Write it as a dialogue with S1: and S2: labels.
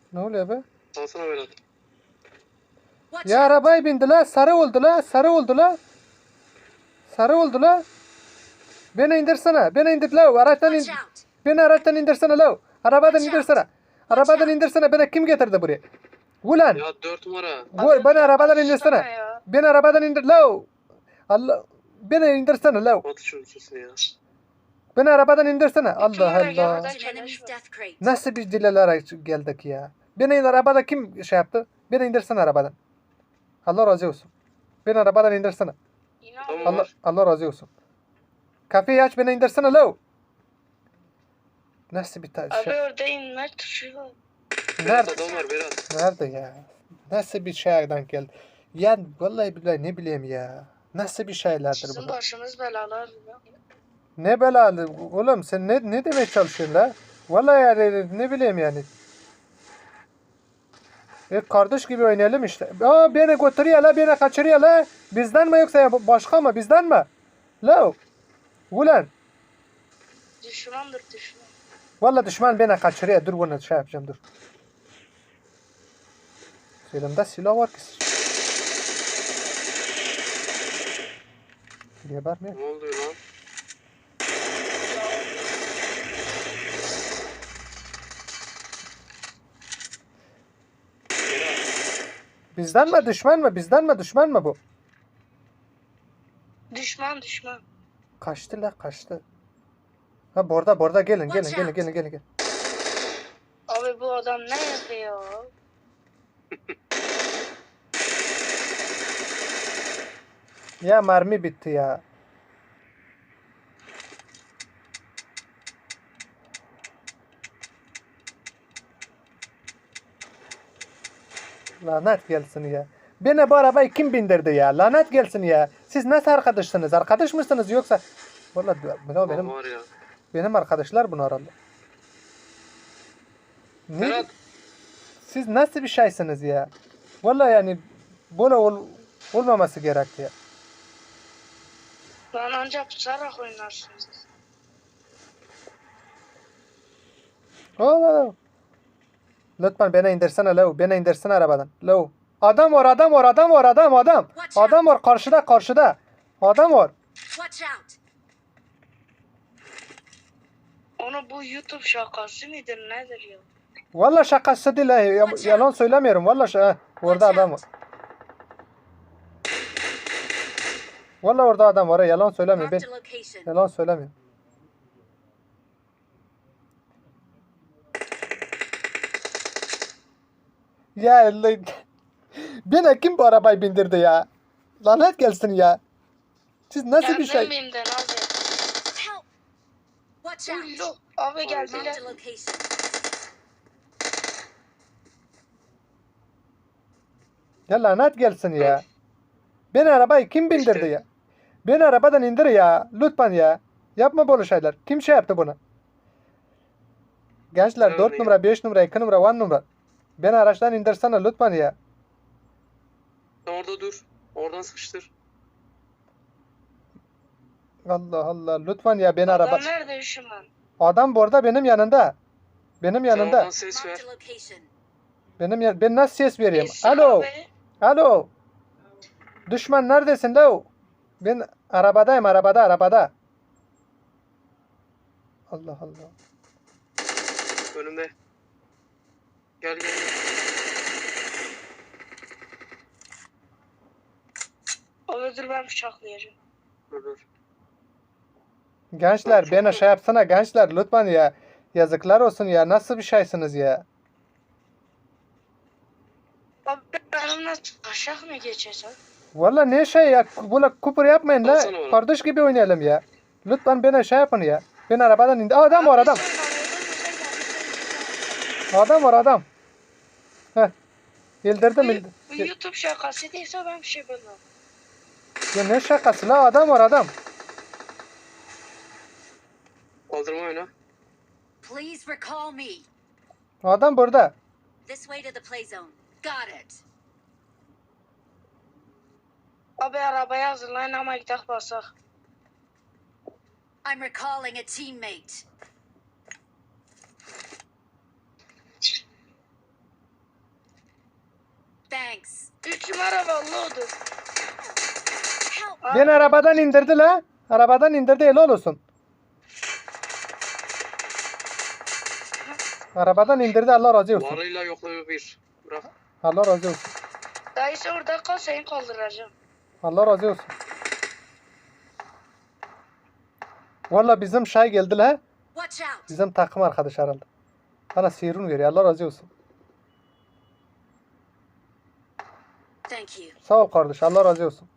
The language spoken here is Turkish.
S1: Ne oluyor be?
S2: Alsana Berat.
S1: Ya arabaya bindi la. Sarı oldu la. Sarı oldu la. Sarı oldu la. Beni indirsene. Beni indir la. Araçtan in. Beni araçtan indirsene la. Arabadan indirsene. Arabadan indirsene. Beni kim getirdi buraya? Ulan.
S2: Ya 4 numara.
S1: Beni arabadan indirsene. Beni arabadan indir la. Allah. Beni indirsene la.
S2: Batı çocuksun ya.
S1: Beni arabadan indirsene. Allah
S3: numara gel,
S1: Allah.
S3: buradan
S1: Nasıl bir dilelere geldik ya. Beni arabada kim şey yaptı? Beni indirsene arabadan. Allah razı olsun. Beni arabadan indirsene.
S2: Tamam.
S1: Allah razı olsun. Kapıyı aç beni indirsene la. Nasıl bir
S3: Abi
S1: şey?
S3: orada inme tuşu var.
S2: Berat
S1: Nerede?
S2: adam var Berat.
S1: Nerede ya? Nasıl bir şeyden geldi? Ya vallahi billahi ne bileyim ya. Nasıl bir şeylerdir
S3: Sizin
S1: bu?
S3: başınız belalar ya.
S1: Ne belalı oğlum sen ne demeye çalışıyorsun la? Vallahi yani ne bileyim yani. Kardeş gibi oynayalım işte. Aa beni götürüyor la beni kaçırıyor la. Bizden mi yoksa ya başka mı bizden mi? La. Ulan.
S3: Düşmandır düşman.
S1: Vallahi düşman beni kaçırıyor. Dur bunu şey yapacağım dur. Elimde silah var ki. Gebermiyor.
S2: Ne oluyor lan? Berat.
S1: Bizden mi düşman mı? Bizden mi düşman mı bu?
S3: Düşman düşman.
S1: Kaçtı la kaçtı. Ha burada gelin.
S3: Abi bu adam ne yapıyor?
S1: Ya mermi bitti ya. Lanet gelsin ya. Beni bu arabayı kim bindirdi ya? Lanet gelsin ya. Siz nasıl arkadaşsınız? Arkadaş mısınız yoksa? Vallahi benim
S2: Var ya.
S1: benim arkadaşlar bunu aradı. Ne?
S2: Berat.
S1: Siz nasıl bir şeysiniz ya? Vallahi yani böyle olmaması gerekti ya.
S3: Lan ancak tutarak oynarsınız.
S1: Allah. Lütfen beni indirsene Leo. Beni indirsene arabadan. Leo. Adam var. Adam var karşıda. Adam var.
S3: Onu bu YouTube şakası mıdır nedir ya?
S1: Vallahi şakası değil. Yalan söylemiyorum. Vallahi orada adam var. Vallahi orada adam var. Yalan söylemiyorum. Ben yalan söylemiyorum. Ya Allah. Beni kim bu arabayı bindirdi ya? Lanet gelsin ya. Siz nasıl bir şey?
S3: Kendim bimden abi. Uyuyor. Abi geldiler.
S1: Ya lanet gelsin ya. Beni arabayı kim bindirdi ya? Beni arabadan indir ya. Lütfen ya. Yapma böyle şeyler. Kim şey yaptı bunu? Gençler 4 numara, 5 numara, 2 numara, 1 numara. Beni araçtan indirsene lütfen ya.
S2: Sen orada dur. Oradan sıkıştır.
S1: Allah Allah. Lütfen ya beni
S3: Adam
S1: araba.
S3: nerede düşman?
S1: Adam bu arada benim yanında. Benim
S2: Sen
S1: yanında.
S2: oradan ses ver.
S1: Ben nasıl ses vereyim?
S3: İsa
S1: Alo.
S3: abi.
S1: Alo. Düşman neredesin lo? Ben arabadayım arabada. Allah Allah.
S2: Önümde. Gel.
S3: Abi dur ben bıçaklayacağım.
S2: Dur.
S1: Gençler beni şey yapsana gençler lütfen ya. Yazıklar olsun ya. Nasıl bir şeysiniz ya?
S3: Abi benimle aşağı mı geçeceksin?
S1: Valla ne şey ya. Böyle kupur yapmayın la.
S2: Alsana bana.
S1: Kardeş gibi oynayalım ya. Lütfen beni şey yapın ya. Ben arabadan indi. Adam var adam. Adam. Heh. İldirdim.
S3: Bu YouTube şakası değilse ben bir şey bilmem.
S1: Ya ne şakası la adam var adam.
S2: Kaldırma oyna.
S4: Please recall me.
S1: Adam burada.
S4: This way to the play zone. Got it.
S3: Abi arabaya hazırlayın ama gidelim basak.
S4: I'm recalling a teammate. Thanks.
S3: 3 numara vallahi odur.
S4: Help.
S1: Beni arabadan indirdi la. Arabadan indirdi, helal olsun. Arabadan indirdi, Allah razı olsun.
S2: Varıyla yokluğu bir. Bırak.
S1: Allah razı olsun.
S3: Dayısı orada kal seni kaldıracağım.
S1: Allah razı olsun. Valla bizim şey geldi la.
S4: Watch out.
S1: Bizim takım arkadaş herhalde. Bana sihirun veriyor, Allah razı olsun.
S4: Thank you.
S1: Sağ ol kardeş, Allah razı olsun.